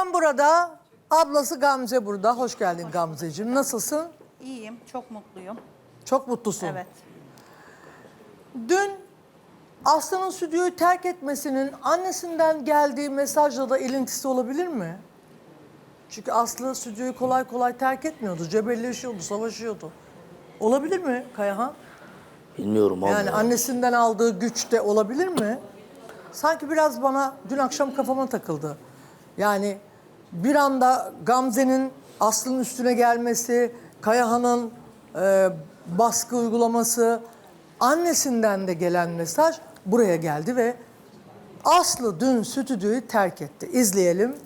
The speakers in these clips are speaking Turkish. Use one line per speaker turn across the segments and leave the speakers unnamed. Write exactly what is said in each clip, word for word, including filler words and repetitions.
Kayahan burada, ablası Gamze burada. Hoş geldin Gamzeciğim. Nasılsın?
İyiyim, çok mutluyum.
Çok mutlusun.
Evet.
Dün Aslı'nın stüdyoyu terk etmesinin annesinden geldiği mesajla da ilintisi olabilir mi? Çünkü Aslı stüdyoyu kolay kolay terk etmiyordu. Cebelleşiyordu, savaşıyordu. Olabilir mi Kayahan?
Bilmiyorum abi.
Yani annesinden aldığı güç de olabilir mi? Sanki biraz bana dün akşam kafama takıldı. Yani bir anda Gamze'nin Aslı'nın üstüne gelmesi, Kayahan'ın e, baskı uygulaması, annesinden de gelen mesaj buraya geldi ve Aslı dün stüdyoyu terk etti. İzleyelim.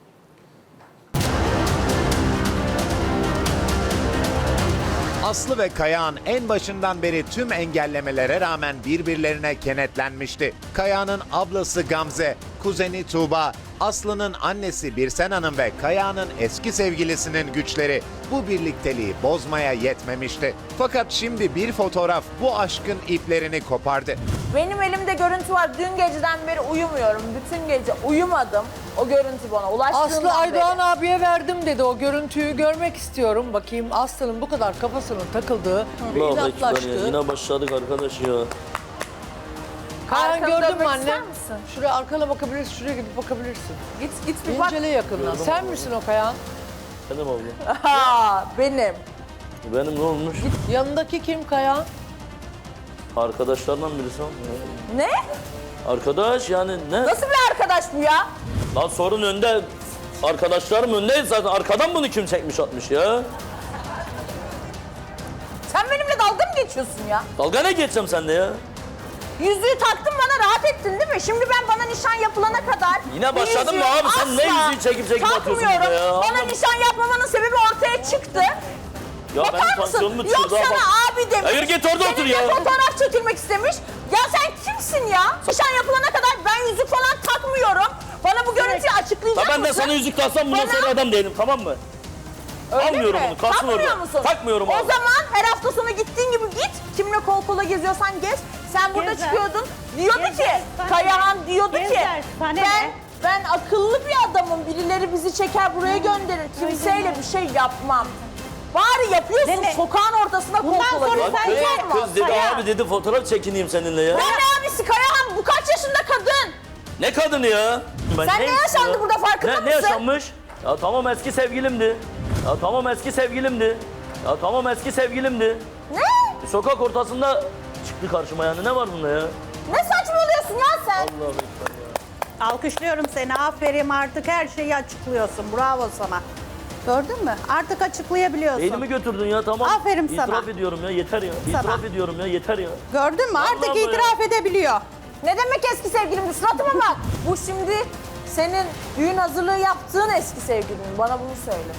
Aslı ve Kayahan en başından beri tüm engellemelere rağmen birbirlerine kenetlenmişti. Kayahan'ın ablası Gamze, kuzeni Tuğba, Aslı'nın annesi Birsen Hanım ve Kayahan'ın eski sevgilisinin güçleri bu birlikteliği bozmaya yetmemişti. Fakat şimdi bir fotoğraf bu aşkın iplerini kopardı.
Benim elimde görüntü var. Dün geceden beri uyumuyorum. Bütün gece uyumadım. O görüntü bana ulaştığından
Aslı Aydoğan
beri.
abiye verdim dedi. O görüntüyü görmek istiyorum. Bakayım Aslı'nın bu kadar kafasının takıldığı ve
Allah ekber ya.
inatlaştığı.
Yine başladık arkadaş ya.
Kayan
Arkanı
gördün mü
dönmek
anne?
ister misin?
Şuraya arkana bakabilirsin, şuraya gidip bakabilirsin.
Git git bir bak.
İncele yakından. Sen misin o Kayan?
Benim abla.
Ha, benim.
Benim ne olmuş?
Yanındaki kim Kayan?
Arkadaşlardan birisi ama.
Ne?
Arkadaş yani ne?
Nasıl bir arkadaş bu ya?
Lan sorun önde. Arkadaşlarım önde zaten. Arkadan bunu kim çekmiş atmış ya?
Sen benimle dalga mı geçiyorsun ya?
Dalga ne geçeceğim sende ya?
Yüzüğü taktın bana rahat ettin değil mi? Şimdi ben bana nişan yapılana kadar...
Yine
bu
başladın mı
yüzüğü
abi? Sen ne
asla
yüzüğü çekip çekip atıyorsun
takmıyorum.
burada ya?
Bana
Allah-
nişan yapmamanın sebebi ortaya çıktı.
Ya
Bakar
benim
mısın?
tansiyonumu
Yok
düşürdü.
sana
Bak.
abi demiş.
Hayır, git orada otur
Seninle
ya.
fotoğraf çekilmek istemiş. Ya sen kimsin ya? Nişan yapılana kadar ben yüzük falan takmıyorum. Bana bu görüntüyü açıklayacak
Ya ben de
mısın?
sana yüzük taksam bundan
Bana-
sonra adam değilim, tamam mı?
Öyle
Almıyorum
mi?
bunu, kalsın
Takmıyor
orada.
musun?
Takmıyorum
o
abi.
zaman her hafta sonu gittiğin gibi git. Kimle kol kola geziyorsan gez. Sen burada
Gezer.
çıkıyordun. Diyordu
Gezer,
ki,
sana
Kayahan
ne?
diyordu ki,
Gezer, sana
ben
ne?
ben akıllı bir adamım. Birileri bizi çeker buraya gönderir. Kimseyle bir şey yapmam. Bari yapıyorsun
Deme.
sokağın ortasında kol
Bundan
kola
sonra
geziyorsun.
Bak
sen
kız,
yapma.
kız dedi
Kaya.
abi dedi fotoğraf çekineyim seninle ya.
Ben ne abisi Kayahan? Bu kaç yaşında kadın?
Ne kadını ya? Ben
Sen ne
neyim
yaşandı
ya?
burada, farkında
ne,
mısın?
Ne yaşanmış? Ya tamam eski sevgilimdi. Ya tamam eski sevgilimdi. Ya tamam eski sevgilimdi.
Ne?
Bir sokak ortasında çıktı karşıma yani ne var bunda ya?
Ne saçmalıyorsun ya sen?
Allah'ım ekber ya.
Alkışlıyorum seni. Aferin, artık her şeyi açıklıyorsun. Bravo sana. Gördün mü? Artık açıklayabiliyorsun.
Beynimi götürdün ya tamam.
Aferin sana.
İtiraf ediyorum ya yeter ya.
Sana.
İtiraf ediyorum ya yeter ya.
Gördün mü? Artık
Allah
itiraf edebiliyor.
Ne demek eski sevgilimdi? Suratıma bak. Bu şimdi senin düğün hazırlığı yaptığın eski sevgilin. Bana bunu söyle.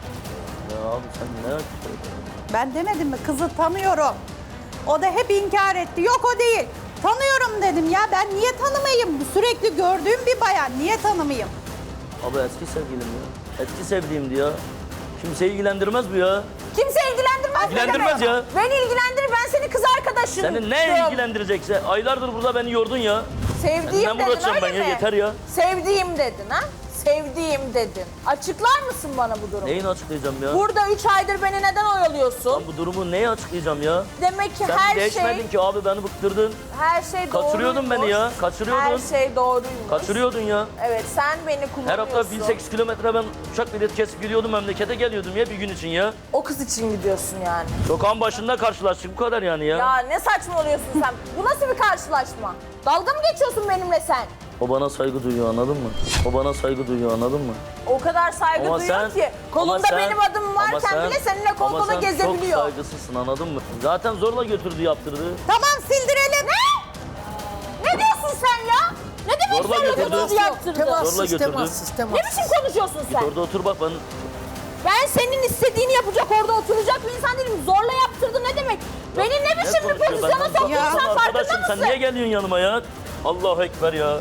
Ya abi sen ne yapıyorsun?
Ben demedim mi? Kızı tanıyorum. O da hep inkar etti. Yok o değil. Tanıyorum dedim ya. Ben niye tanımayayım? Sürekli gördüğüm bir bayan. Niye tanımayayım?
Abi eski sevgilim ya. Eski sevdiğimdi ya. Kimseyi ilgilendirmez bu ya.
Kimse ilgilendirmez. ne
İlgilendirmez
demek?
ya.
Beni ilgilendirir. Ben senin kız arkadaşın.
Seni ne ilgilendirecekse aylardır burada beni yordun ya.
Sevdiğim
Ben
dedin
uğraşacağım
öyle
ben
mi?
ya yeter ya.
Sevdiğim dedin ha? Sevdiğim dedin. Açıklar mısın bana bu durumu?
Neyini açıklayacağım ya?
Burada üç aydır beni neden oyalıyorsun?
Lan bu durumu neyi açıklayacağım ya?
Demek ki
Sen
her
değişmedin
şey
ki abi beni bıktırdın.
her şey doğruymuş.
Kaçırıyordun beni ya, kaçırıyordun.
Her şey doğruymuş.
Kaçırıyordun ya.
Evet, sen beni
Her
kullanıyorsun.
hafta bin sekiz kilometre ben uçak bileti kesip gidiyordum memlekete geliyordum ya bir gün için ya.
O kız için gidiyorsun yani.
Sokağın başında karşılaştık bu kadar yani ya.
Ya ne saçmalıyorsun sen? Bu nasıl bir karşılaşma? Dalga mı geçiyorsun benimle sen?
O bana saygı duyuyor anladın mı? O bana saygı duyuyor anladın mı?
O kadar saygı
Ama
duyuyor
sen,
ki kolunda
ama sen-
benim adımım
ama
varken
sen-
bile seninle kol
ama
kola
sen
gezebiliyor.
çok saygısızsın anladın mı? Zaten zorla götürdü yaptırdı.
Tamam, sildirelim.
Ne? Ne diyorsun sen ya? Ne demek
Zorla
zorla
götürdü.
götürdü yaptırdı?
Temassız,
Zorla götürdü.
temassız,
Ne
temassız.
biçim konuşuyorsun sen?
Orada otur bak ben.
Ben senin istediğini yapacak, orada oturacak bir insan değilim. Zorla yaptırdı ne demek? Beni ne
Ne
biçim bir
konuşuyor?
pozisyona
Ben-
soktun
Ya
sen farkında
arkadaşım
mısın?
sen niye geliyorsun yanıma ya? Allahu Ekber ya.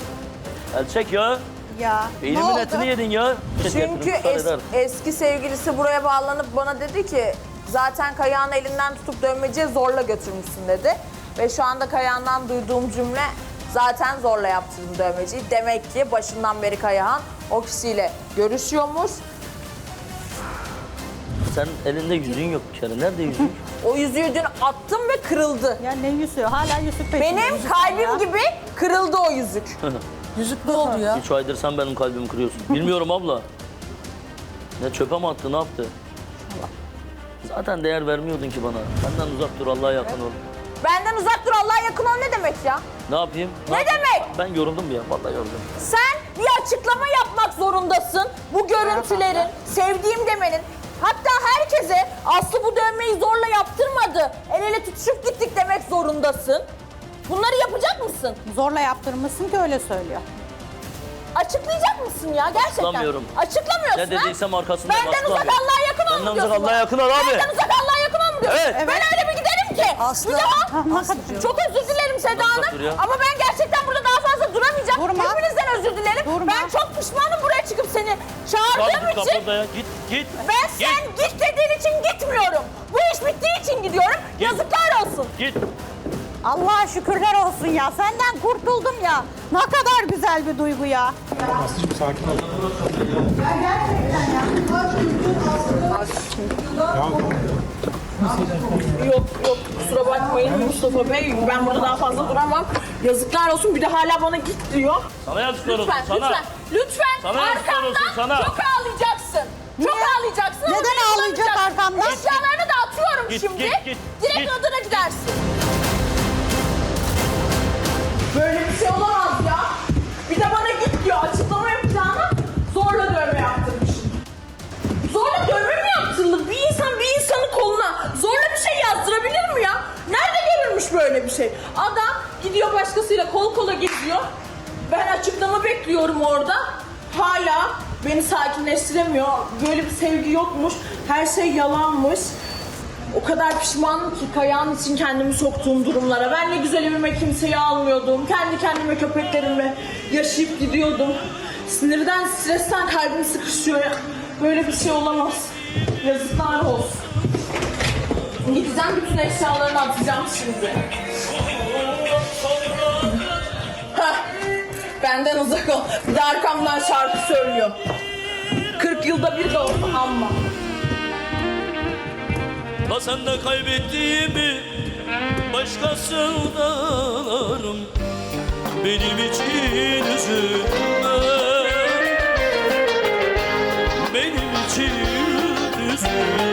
El çek ya.
Ya ne
Beynimin
oldu?
etini yedin ya.
Çünkü
Müsaade
es-
eder.
eski sevgilisi buraya bağlanıp bana dedi ki zaten Kayağan'ı elinden tutup dövmeciye zorla götürmüşsün dedi. Ve şu anda Kayağan'dan duyduğum cümle zaten zorla yaptırdım dövmeciyi. Demek ki başından beri Kayahan o kişiyle görüşüyormuş.
Sen elinde yüzüğün yok bir kere. Nerede yüzük?
O yüzüğü dün attım ve kırıldı.
Ya ne yüzüğü? Hala yüzük peşinde.
Benim
yüzük
kalbim
ya.
gibi kırıldı o yüzük.
Yüzük ne oldu ya?
Üç aydır sen benim kalbimi kırıyorsun. Bilmiyorum abla. Ne çöpe mi attı, ne yaptı? Zaten değer vermiyordun ki bana. Benden uzak dur, Allah'a yakın ol.
Benden uzak dur, Allah'a yakın ol ne demek ya?
Ne yapayım?
Ne
yapayım?
demek?
Ben yoruldum ya, vallahi yoruldum.
Sen bir açıklama yapmak zorundasın. Bu görüntülerin, sevdiğim demenin. Hatta herkese Aslı bu dövmeyi zorla yaptırmadı. El ele tutuşup gittik demek zorundasın. Bunları yapacak mısın?
Zorla yaptırmışsın ki öyle söylüyor.
Açıklayacak mısın ya gerçekten?
Açıklamıyorum.
Açıklamıyorsun
Ne
ha?
dediysem arkasındayım,
Benden uzak
açıklamıyorum.
Allah'a yakın ol mu
Benden
diyorsun
uzak Allah'a
bana?
yakın ol abi.
Benden uzak Allah'a yakın ol mu diyorsun?
Evet.
Ben öyle bir giderim ki.
Aslı.
Bir daha.
Aslıcığım.
Çok özür dilerim Seda
Uzak
Hanım.
dur ya.
Ama ben gerçekten burada daha fazla duramayacağım.
Durma.
Hepinizden özür dilerim.
Durma.
Ben çok pişmanım buraya çıkıp seni
Kalk
çağırdığım
git
için.
kapıda ya, git git.
Ben
Git.
sen git dediğin için gitmiyorum. Bu iş bittiği için gidiyorum. Yazıklar olsun.
Git.
Allah'a şükürler olsun ya. Senden kurtuldum ya. Ne kadar güzel bir duygu ya.
Aslıcığım sakin ol.
Yok yok kusura bakmayın Mustafa Bey. Ben burada daha fazla duramam. Yazıklar olsun. Bir de hala bana git diyor.
Sana yazıklar olsun,
Lütfen,
sana.
lütfen, lütfen
Sana yazıklar olsun,
arkamdan
sana.
çok ağlayacaksın. Çok
Niye?
ağlayacaksın.
Neden
Odaya
ağlayacak
kullanacaksın.
arkamdan?
Eşyalarını da atıyorum
Git,
şimdi.
git, git,
Direkt
git.
odana gidersin. Böyle bir şey olamaz ya. Bir de bana git diyor. Açıklama yapacağına zorla dövme yaptırmışsın. Zorla dövme mi yaptırılır? Bir insan bir insanın koluna zorla bir şey yazdırabilir mi ya? Nerede görülmüş böyle bir şey? Adam gidiyor başkasıyla kol kola geziyor. Ben açıklama bekliyorum orada. Hala beni sakinleştiremiyor. Böyle bir sevgi yokmuş. Her şey yalanmış. O kadar pişmanım ki Kayahan için kendimi soktuğum durumlara. Ben ne güzel evime kimseyi almıyordum. Kendi kendime köpeklerimle yaşayıp gidiyordum. Sinirden, stresten kalbim sıkışıyor. Böyle bir şey olamaz. Yazıklar olsun. Gideceğim bütün eşyalarını atacağım şimdi. Hah, benden uzak ol. Bir de arkamdan şarkı söylüyor. kırk yılda bir de olsa amma.
La sen de kaybettiğimi başkasından ararım. Benim için üzülme. Benim için üzülme.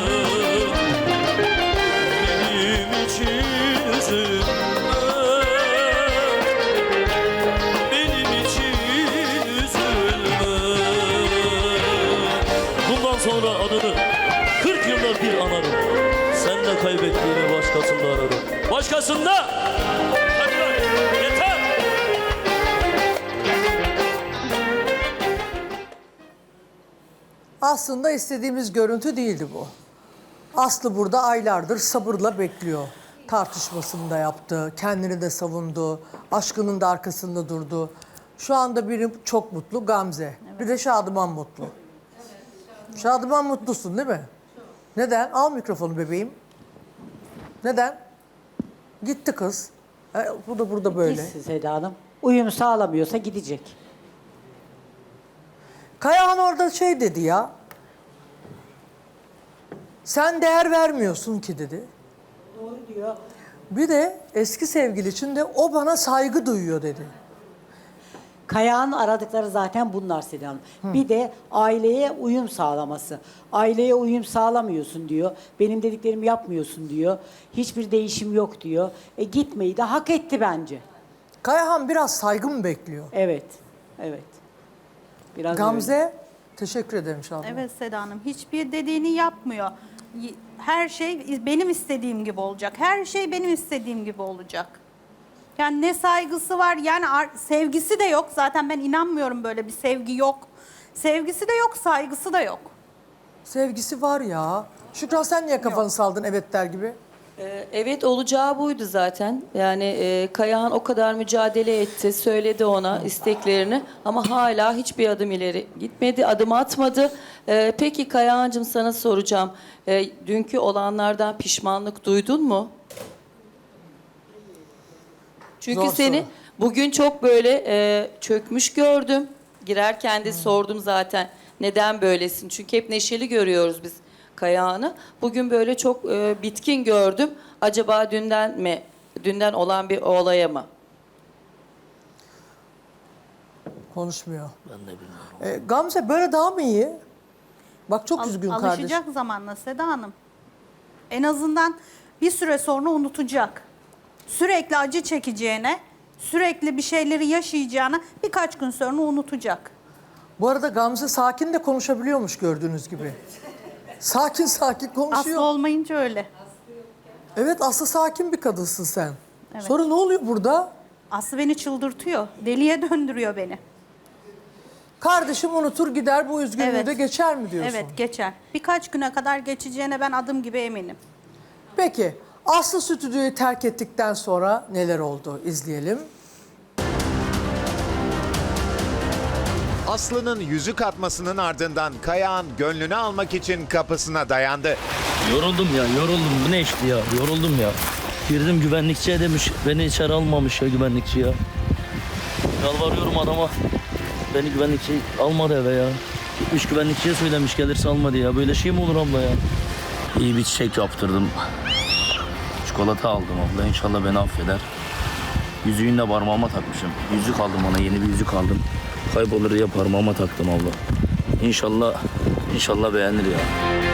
Benim için üzülme. Benim için üzülme. Bundan sonra adını kırk yılda bir anarım. Sen de kaybettiğini başkasında ararım. Başkasında! Yeter! Yeter!
Aslında istediğimiz görüntü değildi bu. Aslı burada aylardır sabırla bekliyor. Tartışmasını da yaptı, kendini de savundu, aşkının da arkasında durdu. Şu anda biri çok mutlu, Gamze. Bir de Şadıman mutlu. Şadıman mutlusun değil mi? Neden? Al mikrofonu bebeğim. Neden? Gitti kız. E, bu da burada böyle.
Gitsin Seda Hanım. Uyum sağlamıyorsa gidecek.
Kayahan orada şey dedi ya. Sen değer vermiyorsun ki dedi.
Doğru diyor.
Bir de eski sevgili için de o bana saygı duyuyor dedi.
Kayağın aradıkları zaten bunlar Seda Hanım. Bir de aileye uyum sağlaması. Aileye uyum sağlamıyorsun diyor. Benim dediklerimi yapmıyorsun diyor. Hiçbir değişim yok diyor. E gitmeyi de hak etti bence.
Kayahan biraz saygı mı bekliyor?
Evet. Evet. Biraz öyle.
Gamze, teşekkür ederim Şadıman.
Evet Seda Hanım. Hiçbir dediğini yapmıyor. Y- Her şey benim istediğim gibi olacak. Her şey benim istediğim gibi olacak. Yani ne saygısı var, yani ar- sevgisi de yok. Zaten ben inanmıyorum böyle bir sevgi yok. Sevgisi de yok, saygısı da yok.
Sevgisi var ya. Şükran sen niye kafanı saldın evet der gibi?
Ee, Evet olacağı buydu zaten. Yani e, Kayahan o kadar mücadele etti, söyledi ona isteklerini ama hala hiçbir adım ileri gitmedi, adım atmadı. Ee, peki Kayahan'cığım sana soracağım. Ee, dünkü olanlardan pişmanlık duydun mu? Çünkü
Zor
seni
soru.
bugün çok böyle e, çökmüş gördüm. Girerken de sordum zaten neden böylesin? Çünkü hep neşeli görüyoruz biz Kayağan'ı. Bugün böyle çok e, bitkin gördüm. Acaba dünden mi, dünden olan bir olaya mı?
Konuşmuyor.
Ben de bilmiyorum.
E, Gamze böyle daha mı iyi? Bak çok
Al-
üzgün
alışacak
kardeşim.
zamanla Seda Hanım. En azından bir süre sonra unutacak. Sürekli acı çekeceğine, sürekli bir şeyleri yaşayacağına birkaç gün sonra unutacak.
Bu arada Gamze sakin de konuşabiliyormuş gördüğünüz gibi. Sakin sakin konuşuyor.
Aslı olmayınca öyle.
Evet Aslı sakin bir kadınsın sen. Sonra ne oluyor burada?
Aslı beni çıldırtıyor. Deliye döndürüyor beni.
Kardeşim unutur gider bu üzgünlüğü
Evet.
de geçer mi diyorsun?
Evet geçer. Birkaç güne kadar geçeceğine ben adım gibi eminim.
Peki Aslı stüdyoyu terk ettikten sonra neler oldu izleyelim.
Aslı'nın yüzük atmasının ardından Kayağan gönlünü almak için kapısına dayandı.
Yoruldum ya, yoruldum. Bu ne işti ya? Yoruldum ya. Girdim güvenlikçiye demiş, beni içeri almamış ya güvenlikçi ya. Yalvarıyorum adama. Beni güvenlikçi almadı eve ya. Gitmiş güvenlikçiye söylemiş gelirse almadı ya. Böyle şey mi olur abla ya? İyi bir çiçek yaptırdım. Çikolata aldım abla. İnşallah beni affeder. Yüzüğünü de parmağıma takmışım. Yüzük aldım ona, yeni bir yüzük aldım. Kaybolur diye parmağıma taktım abla. İnşallah, inşallah beğenir ya.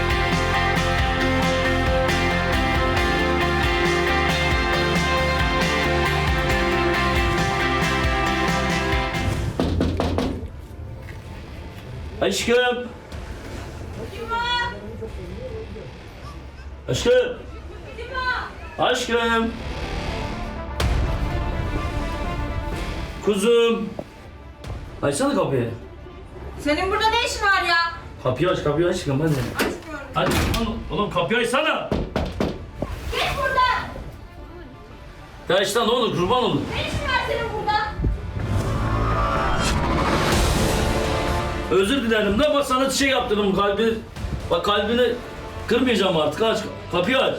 Aşkım. Aşkım. Aşkım. Kuzum. Açsana kapıyı.
Senin burada ne işin var ya?
Kapıyı aç, kapıyı aç aşkım hadi. Hadi oğlum, oğlum kapıyı açsana.
Git buradan.
Ya işte ne olur kurban olur.
Ne işin var senin burada?
Özür dilerim de bak sana çiçek yaptırdım kalbi. Bak kalbini kırmayacağım artık aç. Kapıyı aç.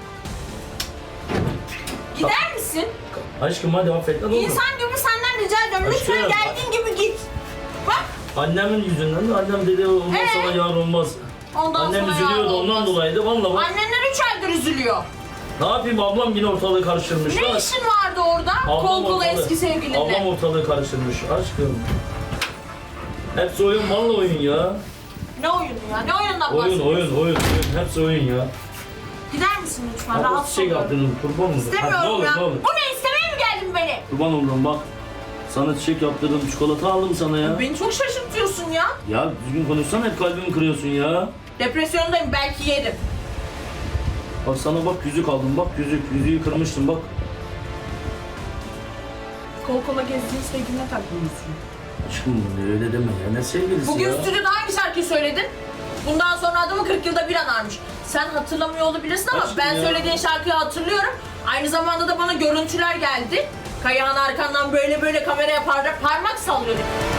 Gider misin?
Aşkım hadi affet ne olur.
İnsan gibi senden rica ediyorum. Lütfen
Aşkım.
geldiğin gibi git. Bak.
Annemin yüzünden de annem dedi olmaz
Ee?
sana yar olmaz.
Ondan
Annem
sonra
üzülüyordu
ya
ondan
olmaz.
dolayı da valla bak.
Annenler üç aydır üzülüyor.
Ne yapayım ablam yine ortalığı karıştırmış.
Ne
Lan.
işin vardı orada?
Ablam
Kol kola
ortalığı-
eski sevgilinle.
Ablam ortalığı karıştırmış aşkım. Hepsi oyun valla oyun ya.
Ne oyunu ya? Ne oyundan
Oyun
bahsediyorsun?
oyun oyun oyun hepsi oyun ya.
Gider misin lütfen?
Hadi
Rahatsız
çiçek
oluyorum.
yaptırdım kurban olurum. Hadi,
İstemiyorum
ne olur
ya.
ne olur.
Bu ne? İstemeye mi geldin beni?
Kurban olurum bak. Sana çiçek yaptırdım çikolata aldım sana ya.
Beni çok şaşırtıyorsun ya.
Ya düzgün konuşsana hep kalbimi kırıyorsun ya.
Depresyondayım, belki yerim.
Bak sana bak yüzük aldım bak yüzük yüzüğü kırmıştım bak.
Kol kola gezdiğin sevgiline takılmışsın.
Aşkım öyle deme ya ne sevgilisi
Bugün
ya.
stüdyoda hangi şarkıyı söyledin? Bundan sonra adamı kırk yılda bir anarmış. Sen hatırlamıyor olabilirsin ama
Aşkım
ben
ya.
söylediğin şarkıyı hatırlıyorum. Aynı zamanda da bana görüntüler geldi. Kayağın arkandan böyle böyle kameraya par- parmak sallıyordu.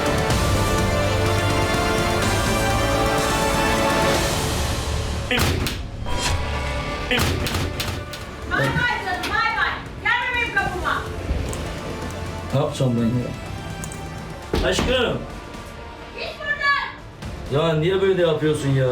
Bay bay canım, bay bay. Gelme benim kapıma.
Ne yapacağım ben ya? Aşkım.
Git buradan.
Ya niye böyle yapıyorsun ya?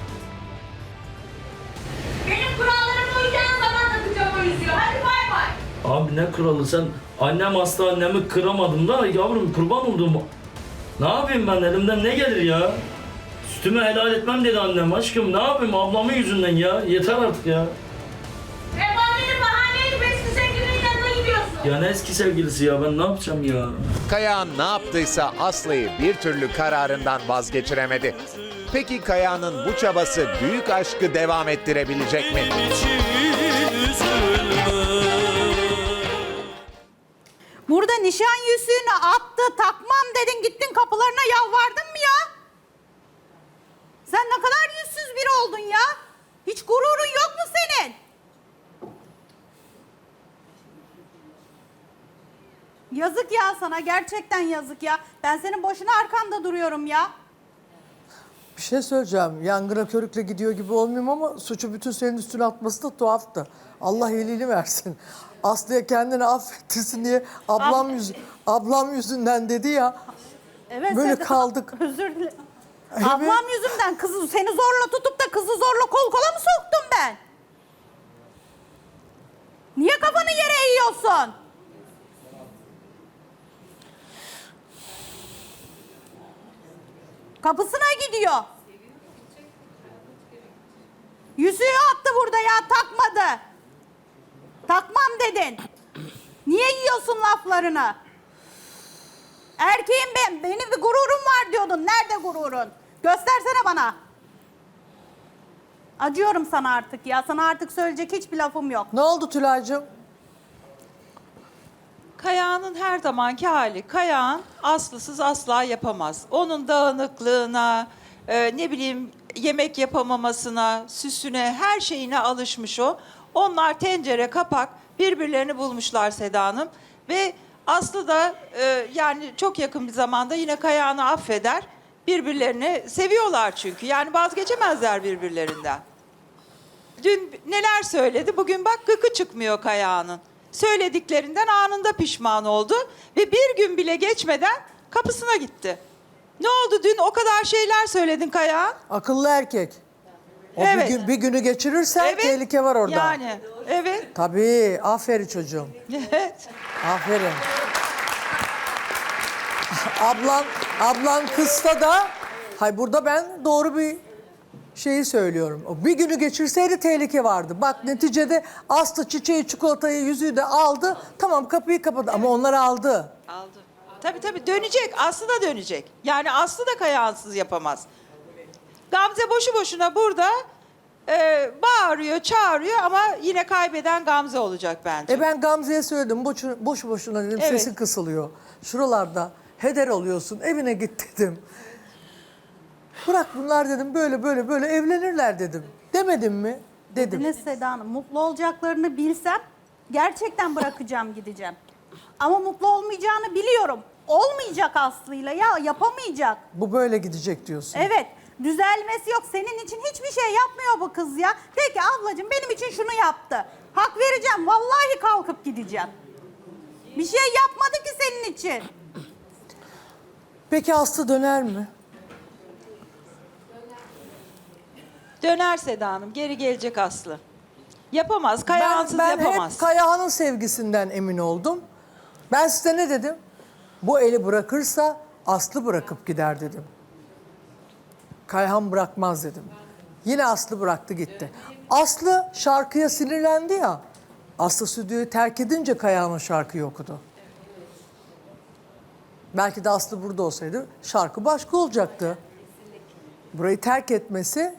Benim kurallarıma uyacağın zaman takacağım o yüzüğü. Hadi bay bay.
Abi ne kralı sen annem hasta annemi kıramadım da yavrum kurban oldum. Ne yapayım ben elimden ne gelir ya? Sütümü helal etmem dedi annem aşkım ne yapayım ablamın yüzünden ya yeter artık ya.
Efendim bahaneydi eski sevgilinin yanına gidiyorsun.
Ya ne eski sevgilisi ya ben ne yapacağım ya?
Kayağan ne yaptıysa Aslı'yı bir türlü kararından vazgeçiremedi. Peki Kayağan'ın bu çabası büyük aşkı devam ettirebilecek mi?
Burada nişan yüzüğünü attı, takmam dedin, gittin kapılarına yalvardın mı ya? Sen ne kadar yüzsüz biri oldun ya. Hiç gururun yok mu senin? Yazık ya sana, gerçekten yazık ya. Ben senin boşuna arkanda duruyorum ya.
Bir şey söyleyeceğim. Yangına körükle gidiyor gibi olmayayım ama suçu bütün senin üstüne atması da tuhaftı. Allah iyiliğini versin. Aslı'ya kendini affettirsin diye ablam, yüz, ablam yüzünden dedi ya.
Evet,
Böyle
Seda,
kaldık.
Özür dilerim.
Evet.
Ablam yüzünden kızı seni zorla tutup da kızı zorla kol kola mı soktum ben? Niye kafanı yere eğiyorsun? Kapısına gidiyor. Yüzüğü attı burada ya, takmadı. Takmam dedin. Niye yiyorsun laflarını? Erkeğim ben, benim bir gururum var diyordun. Nerede gururun? Göstersene bana. Acıyorum sana artık ya. Sana artık söyleyecek hiçbir lafım yok.
Ne oldu Tülay'cığım?
Kayağının her zamanki hali. Kayağın Aslı'sız asla yapamaz. Onun dağınıklığına, e, ne bileyim yemek yapamamasına, süsüne, her şeyine alışmış o. Onlar tencere, kapak birbirlerini bulmuşlar Seda Hanım. Ve Aslı da e, yani çok yakın bir zamanda yine Kayağını affeder. Birbirlerini seviyorlar çünkü. Yani vazgeçemezler birbirlerinden. Dün neler söyledi, bugün bak gıkı çıkmıyor Kayağının. Söylediklerinden anında pişman oldu ve bir gün bile geçmeden kapısına gitti. Ne oldu dün o kadar şeyler söyledin Kayağın?
Akıllı erkek. O
Evet.
bir, gün, bir günü geçirirsen
Evet.
tehlike var orada.
Yani evet.
Tabii. Aferin çocuğum.
Evet.
Aferin. ablan, ablan kızsa da, hay burada ben doğru bir şeyi söylüyorum. O bir günü geçirseydi tehlike vardı. Bak neticede Aslı çiçeği, çikolatayı, yüzüğü de aldı. Tamam, kapıyı kapadı ama onlar aldı.
Aldı. Tabii tabii dönecek. Aslı da dönecek. Yani Aslı da Kayağınsız yapamaz. Gamze boşu boşuna burada e, bağırıyor, çağırıyor ama yine kaybeden Gamze olacak bence.
E ben Gamze'ye söyledim. Boşu, boşu boşuna dedim.
Evet.
Sesin kısılıyor. Şuralarda heder oluyorsun. Evine git dedim. Bırak bunlar dedim. Böyle böyle böyle evlenirler dedim. Demedim mi? Dedim.
Dediniz Seda Hanım, mutlu olacaklarını bilsem gerçekten bırakacağım, gideceğim. Ama mutlu olmayacağını biliyorum. Olmayacak Aslı'yla ya, yapamayacak.
Bu böyle gidecek diyorsun.
Evet, düzelmesi yok. Senin için hiçbir şey yapmıyor bu kız ya. Peki ablacığım benim için şunu yaptı. Hak vereceğim, vallahi kalkıp gideceğim. Bir şey yapmadı ki senin için.
Peki Aslı döner mi?
Döner Seda Hanım. Geri gelecek Aslı. Yapamaz. Kayağınsız
ben
yapamaz.
hep Kayahan'ın sevgisinden emin oldum. Ben size ne dedim? Bu eli bırakırsa Aslı bırakıp gider dedim. Kayhan bırakmaz dedim. Yine Aslı bıraktı gitti. Aslı şarkıya sinirlendi ya. Aslı stüdyoyu terk edince Kayahan o şarkıyı okudu. Belki de Aslı burada olsaydı şarkı başka olacaktı. Burayı terk etmesi,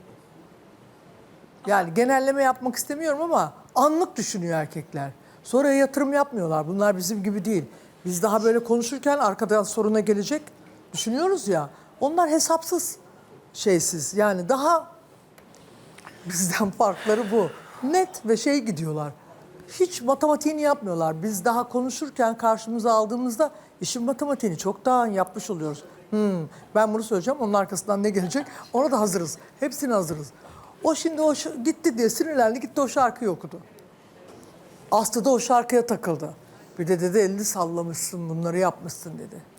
yani genelleme yapmak istemiyorum ama anlık düşünüyor erkekler. Sonra yatırım yapmıyorlar. Bunlar bizim gibi değil. Biz daha böyle konuşurken arkadan soruna gelecek düşünüyoruz ya. Onlar hesapsız, şeysiz. Yani daha bizden farkları bu. Net ve şey gidiyorlar. Hiç matematiğini yapmıyorlar. Biz daha konuşurken karşımıza aldığımızda işin matematiğini çok daha yapmış oluyoruz. Hmm, ben bunu söyleyeceğim, onun arkasından ne gelecek? Ona da hazırız. Hepsine hazırız. O şimdi o ş- gitti diye sinirlendi, gitti o şarkıyı okudu. Aslı da o şarkıya takıldı. Bir de dedi elini sallamışsın, bunları yapmışsın dedi.